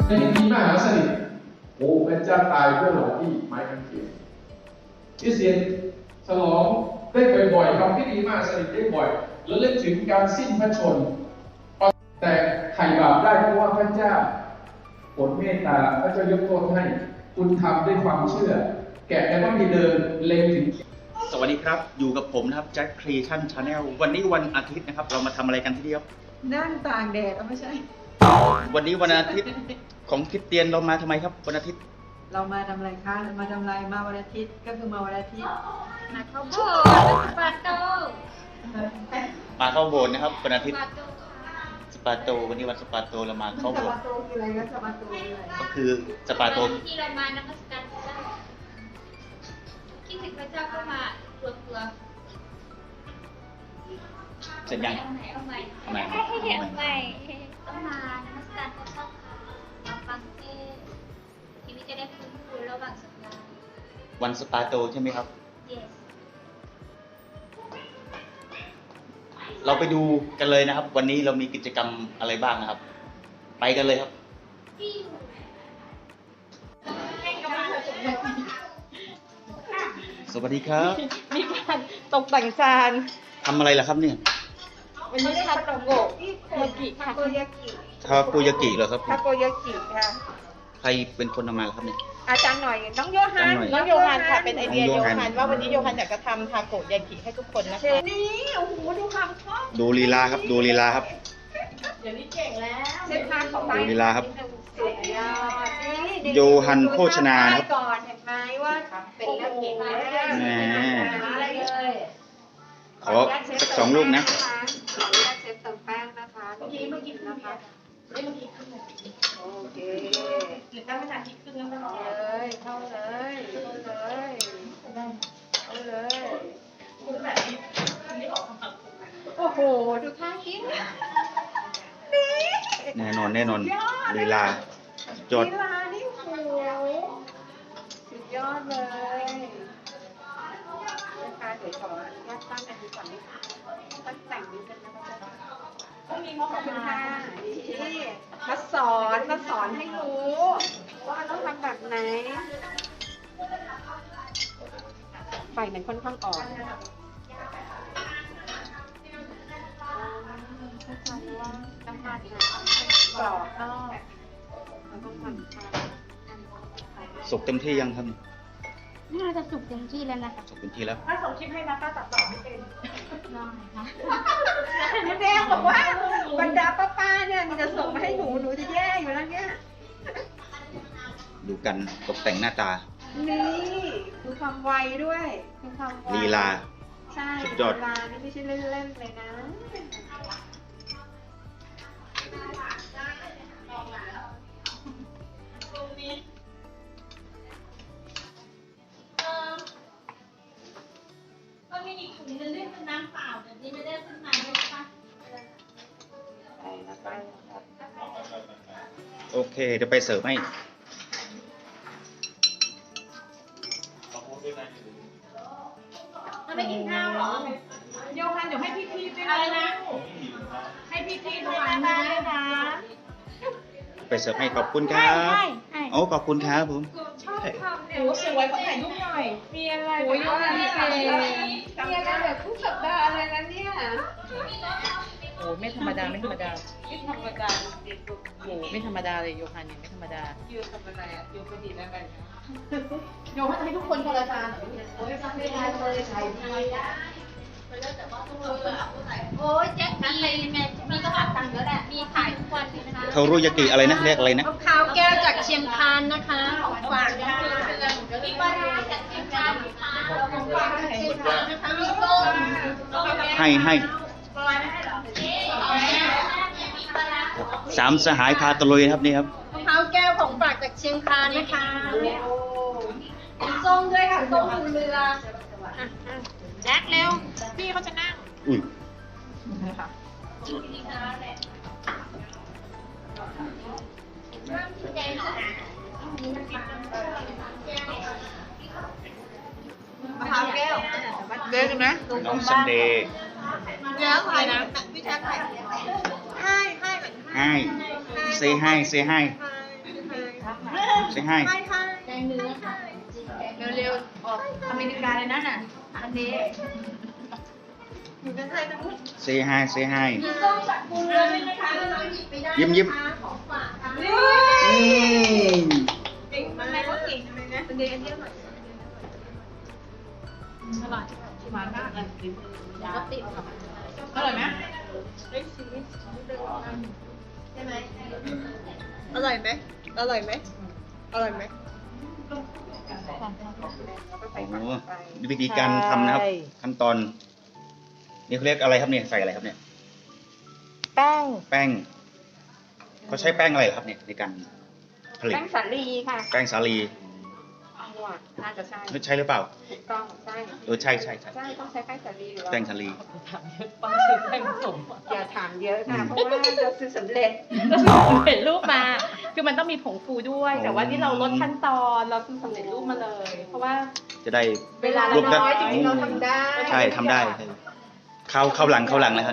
ในพิธีมหาสนิทโอ้พระเจ้าตายเพื่อเราที่ไม้กางเขนคริสเตียนฉลองได้บ่อยๆทำพิธีมหาสนิทได้บ่อยแล้วเล่นถึงการสิ้นพระชนม์แต่ไถ่บาปได้เพราะว่าพระเจ้าโปรดเมตตาพระเจ้ายกโทษให้คุณทำด้วยความเชื่อแกะแล้วก็มีเดินเล็งถึงสวัสดีครับอยู่กับผมนะครับแจ็คครีเอชั่นชาแนลวันนี้วันอาทิตย์นะครับเรามาทำอะไรกันที่นี่ครับนั่งตากแดดไม่ใช่วันนี้วันอาทิตย์ของคริสเตียนเรามาทำไมครับวันอาทิตย์เรามาทำอะไรคะมาทำอะไรมาวันอาทิตย์ก็คือมาวันอาทิตย์มาเข้าโบสถ์สปาโตมาเข้าโบสถ์นะครับวันอาทิตย์สปาโตวันนี้วันสปาโตเรามาเข้าโบสถ์สปาโตคืออะไรนะสปาโตคืออะไรก็คือสปาโตที่เรามานมัสการพระเจ้าคิดถึงพระเจ้าก็มารวมตัวเสร็จยังเอาใหม่ต้องมานมัสการพระเจ้าค่ะมาฟังเทศน์ทีนี้จะได้ฟื้นฟูระหว่างสัปดาห์วันสปาโตใช่ไหมครับ yes เราไปดูกันเลยนะครับวันนี้เรามีกิจกรรมอะไรบ้างนะครับ ไปกันเลยครับสวัสดีครับมีการตกแต่งจานทำอะไรล่ะครับเนี่ยวันนี้ทาโกยากิค่ะทาโกยากิเหรอครับทาโกยากิค่ะใครเป็นคนทำมาครับเนี่ยอาจารย์หน่อยน้องโยฮันค่ะเป็นไอเดียโยฮันว่าวันนี้โยฮันอยากจะทำทาโกยากิให้ทุกคนนะคะนี่โอ้โหดูความชอบดูลีลาครับดูลีลาครับเดี๋ยวนี้เก่งแล้วเชฟพาของไปดูลีลาครับสุดยอดนี่โยฮันโภชนาครับก่อนเห็นไหมว่าเป็นเรื่องเก่งมากอะไรเลยขอสัก2 ลูกนะขออนุญาตเชฟเติมแป้งนะคะเมื่อกี้นะคะเมื่อกี้ขึ้นโอเคหรือตั้งขนาดที่ขึ้นแล้วมันเข้าเลยโอ้โหดูท่ากินแน่นอนลีลาจดลีลานี่โหสุดยอดเลยนะคะเดี๋ยวขออนุญาตตั้งอันนี้ก่อนนิดตั้งแต่งนิดนึงนะคะขอบคุณค่ะนี่มาสอนให้รู้ว่าต้องทำแบบไหนไฟมันค่อนข้างอ่อนเข้าใจว่าน้ำมันกรอบนอกแล้วก็มันสุกเต็มที่ยังครับน่าจะสุกเต็มที่แล้วนะคะสุกเต็มที่แล้วถ้าส่งคลิปให้นะป้าตัดต่อไม่เป็นน้องค่ะแม่บอกว่าบรรดาป้าเนี่ยมันจะส่งมาให้หนูจะแย่อยู่แล้วเนี่ยดูกันตกแต่งหน้าตานี่ดูความไวด้วยดูความไวลีลาใช่ลีลานี่ไม่ใช่เล่นๆเลยนะมันมีอีกถุงนึงที่เป็นน้ำเปล่าแต่ที่ไม่ได้ขึ้นมาใช่ไหมคะโอเคเดี๋ยวไปเสิร์ฟให้มันไม่กินข้าวหรอโยฮันเดี๋ยวให้พี่ด้วยอะไรนะให้พี่ด้วยนะไปเสิร์ฟให้ขอบคุณครับโอ้ขอบคุณครับผมชอบทำเนี่ยสวยขอถ่ายรูปหน่อยมีอะไรโอ้ยมีอะไรแบบทุกสัปดาห์อะไรนะเนี่ยโอ้ไม่ธรรมดาไม่ธรรมดาโอ้ไม่ธรรมดาเลยโยฮันเนี่ยไม่ธรรมดาโยทำอะไรอ่ะโยก็ดีแล้วกันโยให้ทุกคนคนละจานโอ้ยทำไม่ได้เลยใส่ดีโอ้ยแจ็คนั้นเลยแม่มีก็อัดตังค์แล้วแหละมีขายทุกวันเลยนะคะเทารุยากิอะไรนะเรียกอะไรนะข้าวแก้วจากเชียงคานนะคะของฝากค่ะมีปลาร้าจากเชียงคานนะคะของฝากจากเชียงคานนะคะมีส้มให้สามสหายพาตะลุยครับนี่ครับข้าวแก้วของฝากจากเชียงคานนะคะส้มด้วยค่ะส้มเรือแจ็คเร็วพี่เขาจะนั่งอุ้ยมะพร้าวแก้วเดินกันนะน้องซันเดย์เดี๋ยวใครนะพี่แจ็คใครให้เซให้เซ็งให้แกงเนื้อค่ะเร็วๆออกอเมริกาเลยนะน่ะอันนี้อยู่กันไทยทั้งหมดเซ็งให้เซ็งให้มีส้มจากคุณเลยนะคะเราหยิบไปได้ยิ้มของฝากค่ะอืมเก่งมากเลยเก่งเลยนะเดี๋ยวอันนี้อร่อยอร่อยหวานมากเลยก็ติดค่ะอร่อยไหมได้ชีสใช่ไหมอร่อยไหมอร่อยไหมอร่อยไหมโอ้โหวิธีการทำนะครับ ขั้นตอน นี่เขาเรียกอะไรครับเนี่ย ใส่อะไรครับเนี่ยแป้งแป้งเขาใช้แป้งอะไรเหรอครับเนี่ยในการผลิตแป้งสาลีค่ะแป้งสาลีน่าจะใช่ใช่หรือเปล่าถูกต้องใช่ใช่ใช่ใช่ใช่ต้องใช้แป้งสาลีอยู่แล้วแป้งสาลีถามเยอะป้าซื้อแป้งผสมอย่าถามเยอะค่ะเพราะว่าเราซื้อสำเร็จเห็นรูปมา คือมันต้องมีผงฟูด้วย แต่ว่านี่เราลดขั้นตอนเราซื้อสำเร็จรูปมาเลย เพราะว่าจะได้เวลาเราน้อยจริงๆเราทำได้ใช่ทำได้ใช่เข้าหลังนะครับ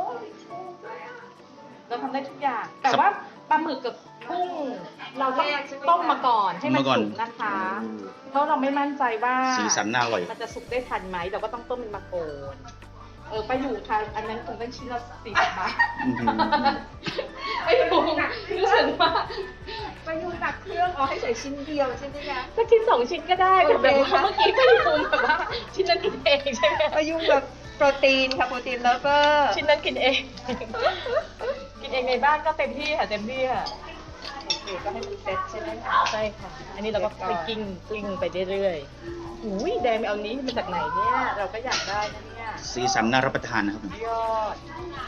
เราทำได้ทุกอย่าง แต่ว่าปลาหมึกกับกุ้งเราต้องต้มมาก่อนให้มันสุกนะคะ เพราะเราไม่มั่นใจว่าสีสันน่าอร่อยมันจะสุกได้ทันไหมเราก็ต้องต้มเป็นมาก่อนไปอยู่ค่ะ อันนั้นคงได้ชิ้นละ40 บาทอื้อหือไม่ถูกรู้สึกว่าไปยูตักเครื่องเอาให้ใส่ชิ้นเดียวใช่ไหมคะสักชิ้น2 ชิ้นก็ได้แต่แบบโอเคว่าค่ะเมื่อกี้ไปยูแบบว่าชิ้นนั้นกินเองใช่ไหมไปยูแบบโปรตีนค่ะโปรตีนแล้วก็ชิ้นนั้นกินเอง กินเองในบ้านก็เต็มที่ค่ะเต็มที่ค่ะโอเคก็ให้มันเซ็ตใช่ไหมคะใช่ค่ะ อันนี้เราก็ไปกิ้งไปเรื่อยๆอุ้ยแดงไปเอานี้มาจากไหนเนี่ย เราก็อยากได้นะเนี่ยสีสันน่ารับประทานนะครับยอด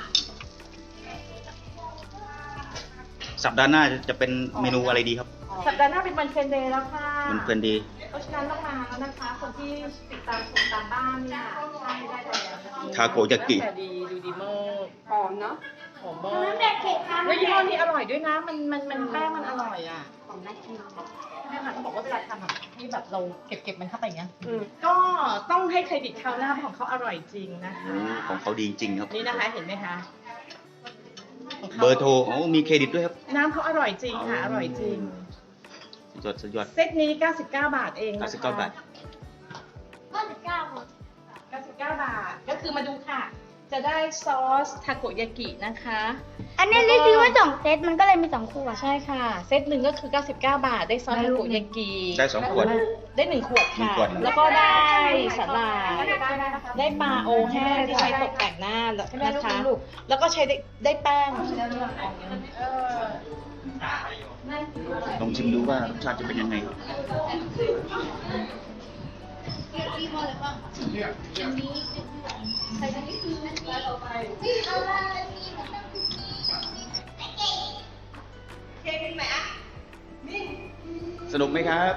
สัปดาห์หน้าจะเป็นเมนูอะไรดีครับสัปดาห์หน้าเป็นวันเฟรนเดย์แล้วค่ะมันเพลินดีเพราะฉะนั้นต้องมาแล้วนะคะ คนที่ติดตามชมตามบ้านเนี่ยใช่ได้แล้วนะคะทาโกยากิแต่ดีดูดีมากหอมเนาะหอมมากแล้วยี่ห้อนี้อร่อยด้วยนะ มันแป้งมันอร่อยอ่ะหอมน่ากินแม่ค่ะเขาบอกว่าเวลาทำแบบให้แบบเราเก็บมันเข้าไปอย่างเงี้ยอืมก็ต้องให้เครดิตเขานะคะของเขาอร่อยจริงนะคะโอ้ของเขาดีจริงครับนี่นะคะเห็นไหมคะของขาเบอร์โทรโอ้มีเครดิตด้วยครับน้ำเขาอร่อยจริงค่ะ อร่อยจริงสุดยอดเซตนี้ 99 บาทเองนะคะ 99 บาท 99 บาท ก็คือมาดูค่ะ จะได้ซอสทาโกยากินะคะอันนี้รีวิวไว้2 เซตมันก็เลยมี2 ขวดใช่ค่ะ เซตหนึ่งก็คือ 99 บาท ได้ซอสทาโกยากิได้2 ขวดได้1 ขวดค่ะ 1 ขวดแล้วก็ได้สาหร่าย ได้ปลาโอแห้งที่ใช้ตกแต่งหน้านะคะ แล้วก็ใช้ได้แป้งลองชิมดูว่ารสชาติจะเป็นยังไงครับ สนุกไหมครับ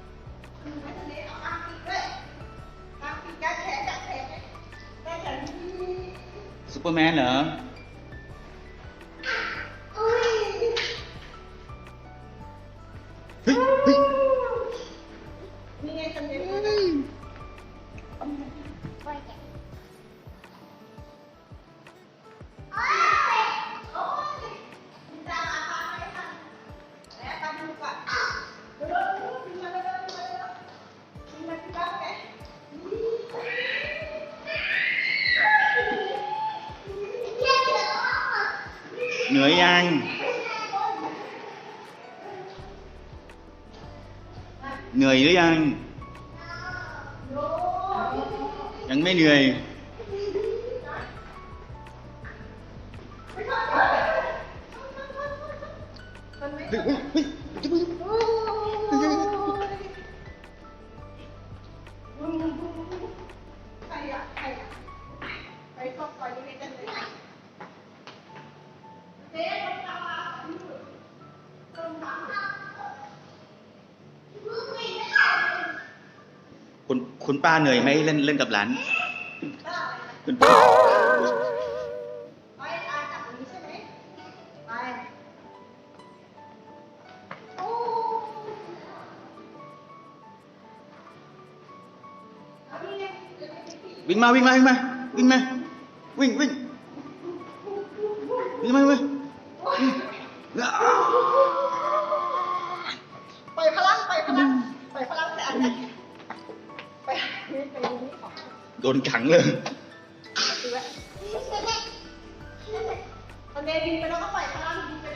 ซูเปอร์แมนเหรอ เฮ้ยเฮ้ยนี่ไงทำเนี้ยเหนื่อยยัง เหนื่อยหรือยัง ยังไม่เหนื่อย เฮ้ยเฮ้ยเฮ้ยจะมึงไปเข้าไปดูนี่กันเลยคุณป้าเหนื่อยไหมเล่นกับหลาน คุณป้าไปอาจับตรงนี้ใช่ไหมไปโอ้เอานี่ไงวิ่งมาวิ่งมาวิ่งมาวิ่งมาวิ่งวิ่งวิ่งมาวิ่งมาปล่อยพลังลังปล่อยพลังแต่อันนั้นไปนี่ของโดนขังเลยดูไว้ตอนเดบินไปแล้วก็ปล่อยพลังบินไป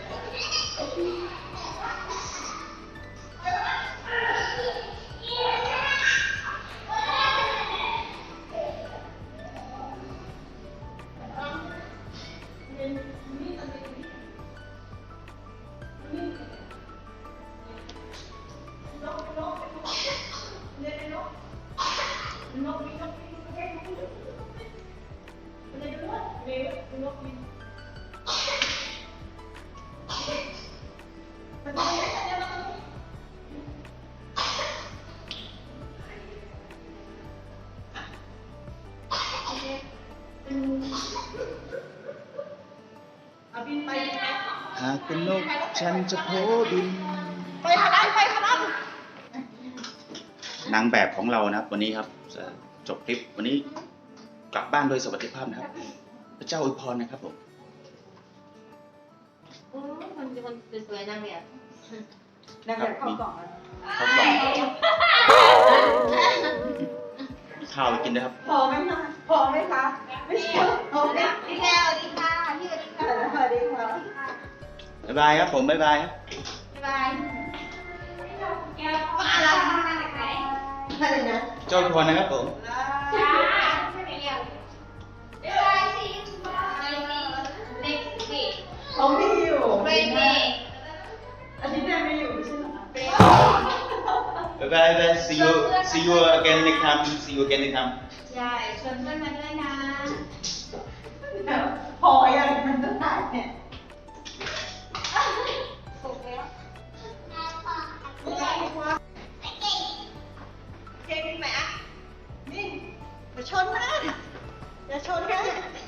บินไปหากเป็นนกฉันจะโผบินไปพลังไปพลังนางแบบของเรานะครับ วันนี้ครับจะจบคลิปวันนี้กลับบ้านโดยสวัสดิภาพนะครับ พระเจ้าอวยพรนะครับผมคนสวยๆนางแบบนางแบบเข้ากล่องแล้วข้าวกล่องข้าวไปกินนะครับพอไหมคะพอไหมคะไม่ใช่พอไหมพี่แก้วสวัสดีค่ะพี่สวัสดีค่ะสวัสดีค่ะบ๊ายบายครับผม บ๊ายบายครับบ๊ายบายแก้วมาแล้วมาจากไหนอะไรนะเจ้าอวยพรนะครับผมจ้าเรียกบ๊ายบายสิเด็กสิเขาไม่อยู่เบเบ้อันนี้แม่ไม่อยู่ใช่ไหมบ๊ายบาย see you again next time see you again next time ใช่ชวนเพื่อนมาด้วยนะพอยังมันจะตายเนี่ยถูกแล้วเก่งไหมอ่ะนี่อย่าชนนะอย่าชนนะ